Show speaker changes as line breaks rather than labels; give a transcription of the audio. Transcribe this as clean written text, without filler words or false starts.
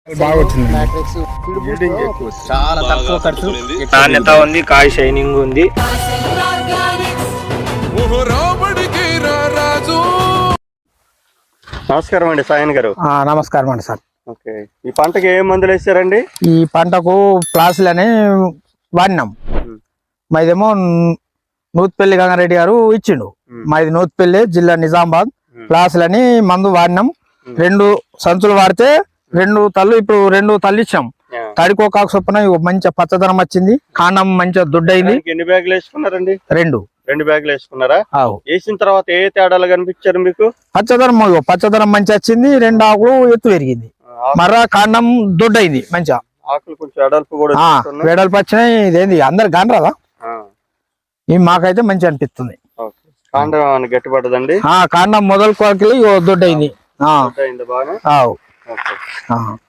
బాగా వచ్చింది.
చాలా తక్కువ ఖర్చు,
నాణ్యత ఉంది, కాయ షైనింగ్ ఉంది. నమస్కారం అండి సాయన్ గారు.
నమస్కారం అండి సార్.
ఓకే, ఈ పంటకి ఏ మందులు వేసారండి?
ఈ పంటకు ప్లాస్లని వాడినాం. మాదేమో నూత్పల్లి గంగారెడ్డి గారు ఇచ్చిండు. మాది నూత్పల్లి జిల్లా నిజామాబాద్. ప్లాస్లని మందు వాడినాం. 2 సంచులు వాడితే 2 తల్లు, ఇప్పుడు 2 తల్లు ఇచ్చాం. తడికోకాకు చొప్పున మంచిగా పచ్చదనం వచ్చింది, కాండం మంచిగా దుడ్డైంది.
ఎన్ని బ్యాగులు వేసుకున్నారండి?
2
బ్యాగులు వేసుకున్నారా? వేసిన తర్వాత ఏ తేడాలు కనిపించారు మీకు?
పచ్చదనం మంచిగా వచ్చింది, 2 ఆకులు ఎత్తు పెరిగింది, మర్రా కాండం దొడ్డైంది, మంచిగా
ఆకులు కొంచెం వెడల్పు కూడా
వెడల్పు వచ్చినాయి. ఇదేంది అందరు కానరాదా? ఈ మాకైతే మంచిగా అనిపిస్తుంది.
కాండం గట్టిపడదండి?
కాండం మొదలు కొరకి దొడ్డైంది.
బాగా